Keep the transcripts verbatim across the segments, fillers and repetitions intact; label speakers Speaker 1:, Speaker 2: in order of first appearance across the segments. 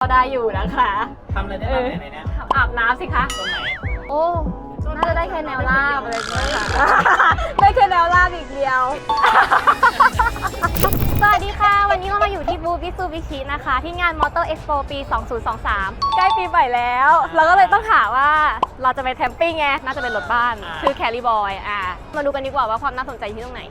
Speaker 1: ได้อยู่นะคะ
Speaker 2: ทำอะไรได้บ้างในนี้
Speaker 1: อาบน้ำสิคะ
Speaker 2: ตรงไหน
Speaker 1: โอ้น่าจะได้แค่แนวราบอะไรอย่างเงี้ยค่ะได้แค่แนวราบอีกเดียวสวัสดีค่ะวันนี้เรามาอยู่ที่บูธมิตซูบิชินะคะที่งาน Motor Expo ปี สองพันยี่สิบสาม ใกล้ปีใหม่แล้วเราก็เลยต้องหาว่าเราจะไปแคมปิ้งไงน่าจะเป็นรถบ้านคือแคริบอยอ่ะมาดูกันดีกว่าว่าความน่าสนใจที่ตรงไหน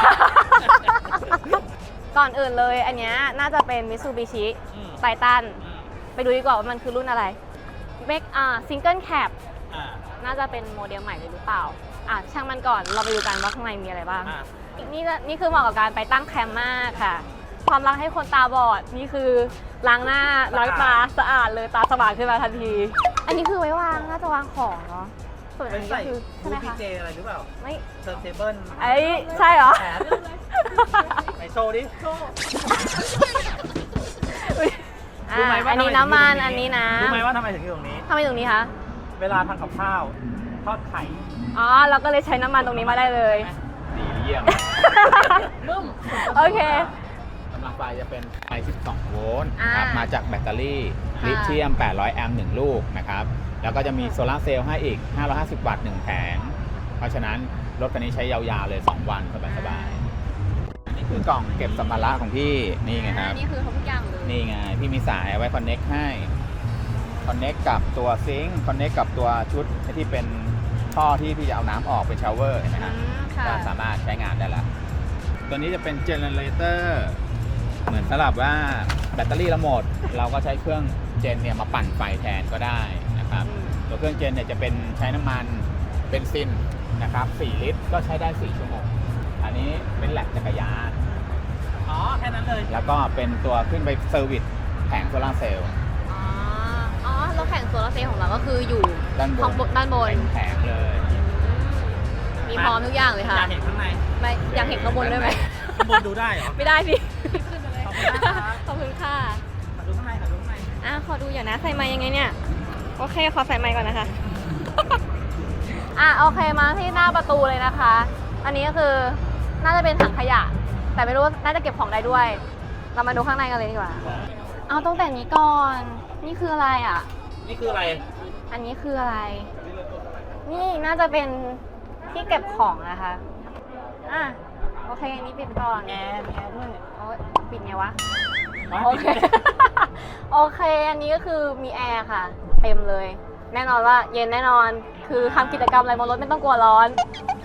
Speaker 1: ก่อนอื่นเลยอันนี้น่าจะเป็น Mitsubishi Titan ไปดูดีกว่าว่ามันคือรุ่นอะไรเมกอ่าซิงเกิลแคปน่าจะเป็นโมเดลใหม่เลยหรือเปล่าอ่ะช่างมันก่อนเราไปดูกันว่าข้างในมีอะไรบ้างนี่นี่คือเหมาะกับการไปตั้งแคมป์มากค่ะความรักให้คนตาบอดนี่คือล้างหน้าล้างตาสะอาดเลยตาสว่างขึ้นมาทันทีอันนี้คือไว้วางน่าจะวางของเนาะส่วนอันนี้ก็คือใช่ไหมคะ
Speaker 2: ดีเจอะไรหรือเปล่า
Speaker 1: ไม่
Speaker 2: เทิร์นเทเบิล
Speaker 1: ไอ้ใช่เหรอ
Speaker 2: ไหนโชว์ดิโชว์
Speaker 1: อันนี้น้ำมันอันนี้น้ำ
Speaker 2: รู้ไหมว่าทำไมถึงอยู่ตรงนี้
Speaker 1: ทำไมตรงนี้คะ
Speaker 2: เวลาทำกับข้าวทอดไข่
Speaker 1: อ๋อเราก็เลยใช้น้ำมันตรงนี้มาได้เลย
Speaker 2: ดีเยี่ยม
Speaker 1: โอเค
Speaker 3: กำลังไฟจะเป็นไฟสิบสองโวลต์นะครับมาจากแบตเตอรี่ลิเธียมแปดร้อยแอมป์หนึ่งลูกนะครับแล้วก็จะมีโซลาร์เซลล์ให้อีกห้าร้อยห้าสิบวัตต์หนึ่งแผงเพราะฉะนั้นรถคันนี้ใช้ยาวๆเลยสองวันสบายๆนี่คือกล่องเก็บสัมภาระของพี่นี่ไงครับ
Speaker 1: นี่คือทุกอย่างเลย
Speaker 3: นี่ไงพี่มีสายไว้คอนเน็กให้คอนเน็กกับตัวซิงค์คอนเน็กกับตัวชุดที่เป็นท่อที่พี่จะเอาน้ำออกเป็นชาวเวอร์เห็นไหมฮะก็สามารถใช้งานได้แล้วตัวนี้จะเป็นเจเนเรเตอร์เหมือนสลับว่าแบตเตอรี่เราหมดเราก็ใช้เครื่องเจนเนี่ยมาปั่นไฟแทนก็ได้นะครับตัวเครื่องเจนเนี่ยจะเป็นใช้น้ำมันเบนซินนะครับสี่ลิตรก็ใช้ได้สี่ชั่วโมงอันนี้เป็นแหลกจักรยาน
Speaker 2: อ๋อแค่นั้นเลย
Speaker 3: แล้วก็เป็นตัวขึ้นไปเซอร์วิสแผงโซลาร์เซลล์
Speaker 1: อ๋ออ๋อแล้วแผงโซลาร์เซลล์ของเราก็คืออยู่
Speaker 3: ด้านบน
Speaker 1: ด้านบน
Speaker 3: เป็นแผงเลย
Speaker 1: มีพร้อมทุกอย่างเลยค่ะ
Speaker 2: อยากเห็นข้างใน
Speaker 1: ไม่อยากเห็นข้างบนด้วยไหม
Speaker 2: ข้างบนดูได้เหรอ
Speaker 1: ไม่ได้สิ
Speaker 2: ขึ้นไปเลย
Speaker 1: ขอบคุณค่ะ
Speaker 2: มาดูข้างในมาดูข้างใน
Speaker 1: อ่ะขอดูอย่างนะใส่ไม้ยังไงเนี่ยโอเคขอใส่ไม้ก่อนนะคะอ่ะโอเคมาที่หน้าประตูเลยนะคะอันนี้ก็คือน่าจะเป็นถังขยะแต่ไม่รู้น่าจะเก็บของได้ด้วยเรามาดูข้างในกันเลยดีกว่าเอาตั้งแต่นี้ก่อนนี่คืออะไรอ่ะ
Speaker 2: นี่คืออะไร
Speaker 1: อันนี้คืออะไรนี่น่าจะเป็นที่เก็บของนะคะอ่ะโอเคอันนี้ปิดก่อน
Speaker 2: แอร์แอร์ด้วย
Speaker 1: โอ้ยปิดไงวะโอเคโอเคอันนี้ก็คือมีแอร์ค่ะเต็มเลยแน่นอนว่าเย็นแน่นอนคือทำกิจกรรมอะไรบนรถไม่ต้องกลัวร้อน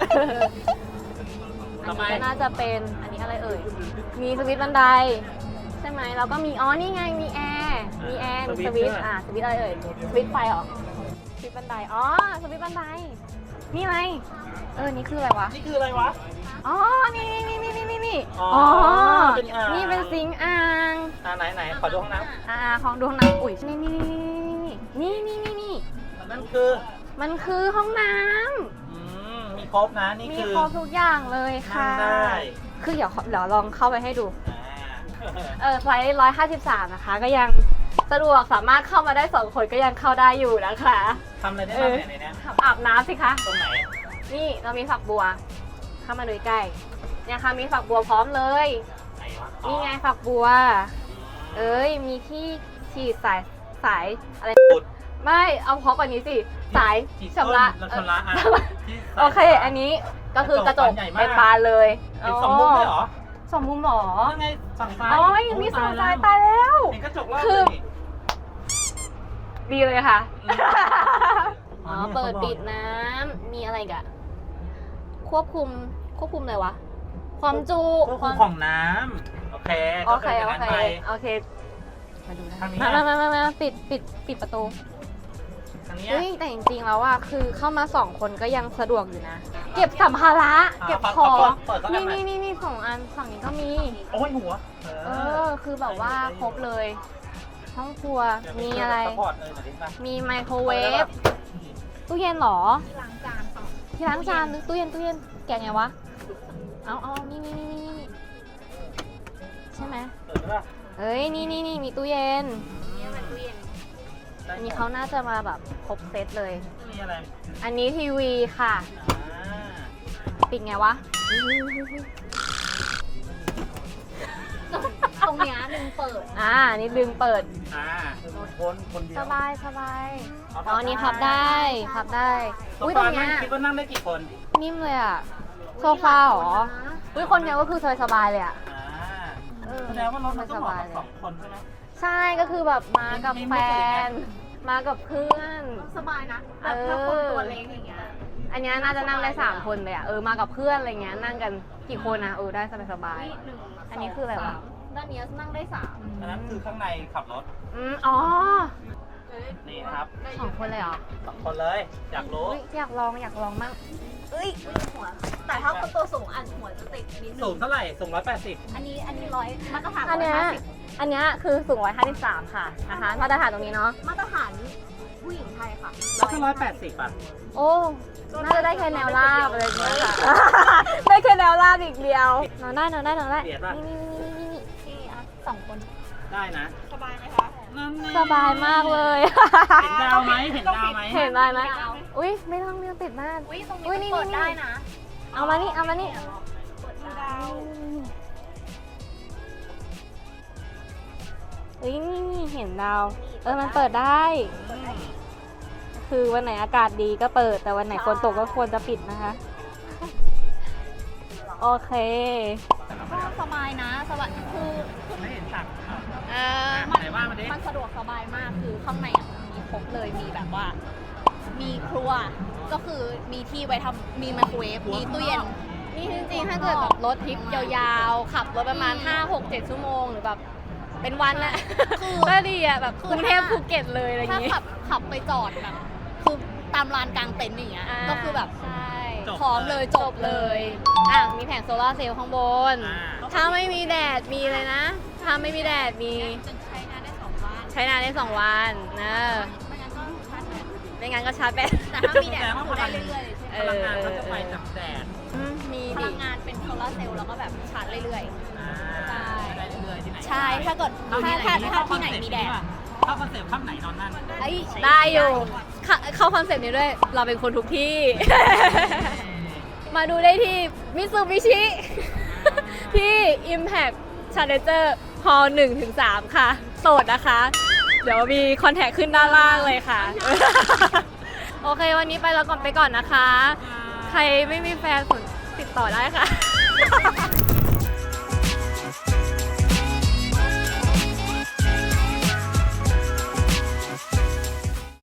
Speaker 1: อันนี้ก็น่าจะเป็นอันนี้อะไรเอ่ยมีสวิตช์บันไดใช่ไหมแล้วก็มีอ๋อนี่ไงมีแอร์มีแอร์มีสวิตช์อ่ะสวิตช์อะไรเอ่ยสวิตช์ไฟเหรอสวิตช์บันไดอ๋อสวิตช์บันไดนี่ไงเออนี่คืออะไรวะ
Speaker 2: นี่คืออะไรวะ
Speaker 1: อ๋อนี่นี่นี่นี่นี่นี่
Speaker 2: อ๋อ
Speaker 1: นี่เป็นซิงค์อ่าง
Speaker 2: อ่าไหนไหนขอดูห้องน้
Speaker 1: ำอ่าของดูห้องน้ำอุ้ยนี่นี่นี่นี่นี่นี่
Speaker 2: นั่นคือ
Speaker 1: มันคือห้องน้ำ
Speaker 2: อืมมีครบนะนี่คือ
Speaker 1: มีครบทุกอย่างเลยค่ะคือเดี๋ยวเดี๋ยวลองเข้าไปให้ดูเออไซส์ร้อยห้าสิบสามนะคะก็ยังสะดวกสามารถเข้ามาได้สองคนก็ยังเข้าได้อยู่นะคะ
Speaker 2: ทำอะไรได้บ้างในนี้
Speaker 1: อาบน้ำสิคะ
Speaker 2: ตรงไหน
Speaker 1: นี่เรามีฝักบัวเข้ามาดูใกล้เนี่ยค่ะมีฝักบัวพร้อมเลยนี่ไงฝักบัวเอ้ยมีที่ฉีดสายสายอะไรไม่เอาพร้อมกว่านี้สิสายชำระโอเคอันนี้ก็คือกระจกเป็นบานเลย
Speaker 2: เป็นสองมุมเลยเหรอ
Speaker 1: สองมุมหรอ
Speaker 2: ยังไงฝั่งซ้าย
Speaker 1: อ๋อมีสองซ้ายตายแล้ว
Speaker 2: เห็นกระจกรอบ
Speaker 1: คือดีเลยค่ะอ๋อเปิดปิดน้ำมีอะไรกันควบคุมควบคุมอะไรวะความจุ
Speaker 2: ควบคุมของน้ำโอเค
Speaker 1: โอเคโอเคโอเคมาดูนะมามามามาปิดปิดปิดประตูเฮ้ยแต่จริงๆแล้วอะคือเข้ามาสองคนก็ยังสะดวกอยู่นะเก็บสัมภาระเก็บของนี่นี่นี่นี่สองอันฝั่งนี้ก็มี
Speaker 2: โอ้ยหัว
Speaker 1: เออคือแบบว่าครบเลยห้องครัวมีอะไรมีไมโครเวฟตู้เย็นหรอที่ล้างจานที่ล้างจานตู้เย็นตู้เย็นแกไงวะเอาเอานี่นี่นี่นี่นี่ใช่ไหมเอ้ยนี่นี่นี่มีตู้เย็นนี่มันตู้เย็นอันนี้เขาน่าจะมาแบบครบเซตเลย
Speaker 2: มีอะไร
Speaker 1: อันนี้ทีวีค่ะปิดไงวะตรงเนี้ยหนึ่ง
Speaker 4: เปิด
Speaker 1: อ่าอันนี้ดึงเปิด
Speaker 2: อ่าคนคนเดียว
Speaker 1: สบายสบาย
Speaker 2: อ๋อ
Speaker 1: อ๋ออันนี้พับได้พับได้
Speaker 2: โซ
Speaker 1: อุ้ยตร
Speaker 2: ฟาง
Speaker 1: เนี้
Speaker 2: นั่
Speaker 1: ย
Speaker 2: งคิดว่านั่งได้กี่คน
Speaker 1: นิ่มเลยอ่ะโซฟาเหรออุ้ยคนเดียวก็คือสบายสบายๆเลยอ่ะ
Speaker 2: อ่า
Speaker 1: เออ
Speaker 2: แสดงว่ารถมันก็เหมาะกับ
Speaker 1: สบายเลย
Speaker 2: สองคนใช่ไหม
Speaker 1: ใช่ก็คือแบบมากับ
Speaker 2: มี
Speaker 1: แฟ
Speaker 2: มีมือถือไง
Speaker 1: น มากับเพื่อน
Speaker 4: สบายนะ
Speaker 1: เออ
Speaker 4: ถ้าคนตัวเล็กอย่างเงี้ย
Speaker 1: อันเนี้ยน่าจะนั่งได้สามคนเลยอ่ะเออมากับเพื่อนอะไรเงี้ยนั่งกันกี่คนนะเออได้สบายสบาย
Speaker 4: นี่หนึ่ง
Speaker 1: อันนี้คืออะไรวะ
Speaker 4: สามด้านนี้นั่งได้สาม
Speaker 2: อันนั้นคือข้างในขับรถ
Speaker 1: อืมอ๋อ
Speaker 2: นี่นะครับ
Speaker 1: สองคนเลยเหรอ
Speaker 2: สองคนเลย อยากรู้
Speaker 1: อุ๊ยอยากลองอยากลองมั่งเอ้ย
Speaker 4: หัว แต่ถ้าคนตัวสูงอันหัวจะติดนิดนึ
Speaker 2: สูง
Speaker 4: ง
Speaker 2: เท่าไหร่ สูงร้อยแปดสิบ
Speaker 4: อันนี้อันนี้ร้อยมาตรฐาน
Speaker 1: อันเนี้ย
Speaker 4: ร้อยห้าสิบ
Speaker 1: อันเนี้ยคือสูงร้อยห้าสิบสามค่ะนะคะมาตรฐานตรงนี้เนาะ
Speaker 4: มาตรฐานผู้หญิงไทยค่ะ
Speaker 2: แล้วถ้าร้อยแปดสิบอ่ะ
Speaker 1: โอ้น่าจะได้แค่แนวราบอะไรอย่างเงี้ยค่ะ ได้แค่แนวราบอีกเดียวนอนได้นอนได้นอนได้
Speaker 2: เบียดป่ะ
Speaker 1: นี่นี่นี่นี่นี่
Speaker 4: ที่อ่ะสองคน
Speaker 2: ได้นะ
Speaker 4: สบายไหมคะ
Speaker 2: นั่นไง
Speaker 1: สบายมากเลย
Speaker 2: เห็นดาวไหมเห็นดาวไหม
Speaker 1: เห็นได้ไหมอุ้ยไม่ต้องไม่ต้องติดมาก
Speaker 4: อุ้ยตรง
Speaker 1: อุ๊ย
Speaker 4: นี้
Speaker 1: นี่
Speaker 4: เปิด
Speaker 1: นี่
Speaker 4: ได้นะ
Speaker 1: เอามานี่เอามานี่
Speaker 4: เปิดได้
Speaker 1: เฮ้ยนี่นี่เห็นดาว เออมันเปิดได้ คือวันไหนอากาศดีก็เปิด แต่วันไหนฝนตกก็ควรจะปิดนะคะ โอเค
Speaker 4: ก็สบายนะสบายคือ
Speaker 2: ไม่เห็นสัก
Speaker 1: เออ
Speaker 2: ไหนว่ามาดิ
Speaker 4: มันสะดวกสบายมากคือข้างในอ่ะมีครบเลยมีแบบว่า มีครัวก็คือมีที่ไว้ทำมีไมโครเวฟมีตู้เย็น
Speaker 1: นี่จริงๆ ถ้าเกิดแบบรถทริปยาวๆ ขับรถประมาณ ห้า หก เจ็ด ชั่วโมงหรือแบบเป็นวันน่ะ
Speaker 4: คือ
Speaker 1: ก็ดีอ่ะแบบ
Speaker 4: คื
Speaker 1: ก
Speaker 4: อ
Speaker 1: รุงเทพ
Speaker 4: ถ้า
Speaker 1: ภูเก็ตเลยอะไรอย่าง
Speaker 4: ถ้า
Speaker 1: งี้
Speaker 4: ขับขับไปจอดแบบคือตามลานกลางเต็นท์อย่างเงี้ย
Speaker 1: า
Speaker 4: ก็คือแบบ
Speaker 1: ใช่
Speaker 4: พร้อมเลยจบเลย
Speaker 1: อ่ะมีแผงโซลาร์เซลล์ข้างบน
Speaker 2: อ่า
Speaker 1: ถ้าไม่มีแดดมีเลยนะ ถ้าไม่มีแดดมี
Speaker 4: จนใช้งานได้สองวัน
Speaker 1: ใช้นานได้สองวันนะ
Speaker 4: ไม่งั้นก็ชาร์จแบต
Speaker 1: ไม่งั้นก็ชาร์จแบต
Speaker 4: แต่ถ้ามีแดดก็คือได้เรื่อยๆเลยใช่ไหม
Speaker 1: เอ
Speaker 2: พ
Speaker 1: อ
Speaker 2: ลังงานเขาจะไปจากแดด
Speaker 1: อืมมี
Speaker 4: พ
Speaker 1: ดิ
Speaker 4: ลังงานเป็นโซลาร์เซลล์แล้วก็แบบชาร์จเรื่อย
Speaker 2: อ่า
Speaker 4: ใช่
Speaker 2: ได้เรื่อยๆที่ไหน
Speaker 4: ๆ ใช่ถ้าเกิดถ้าถ้าถ้าที่ไหนมีแดด
Speaker 2: เข้าคอนเซ็ปต์ข้างไหนนอนนั่น
Speaker 4: เอ้ย
Speaker 1: ได้อยู่เข้าเข้าคอนเซ็ปต์นี้ด้วย เราเป็นคนทุกที่ มาดูได้ที่มิซูบิชิ ที่ Impact Challenger Hall หนึ่งถึงสามค่ะ โสดนะคะ เดี๋ยวมีคอนแทคขึ้นด้านล่างเลยค่ะ โอเค วันนี้ไปแล้วก่อนไปก่อนนะคะ ใครไม่มีแฟนสนติดต่อได้ค่ะ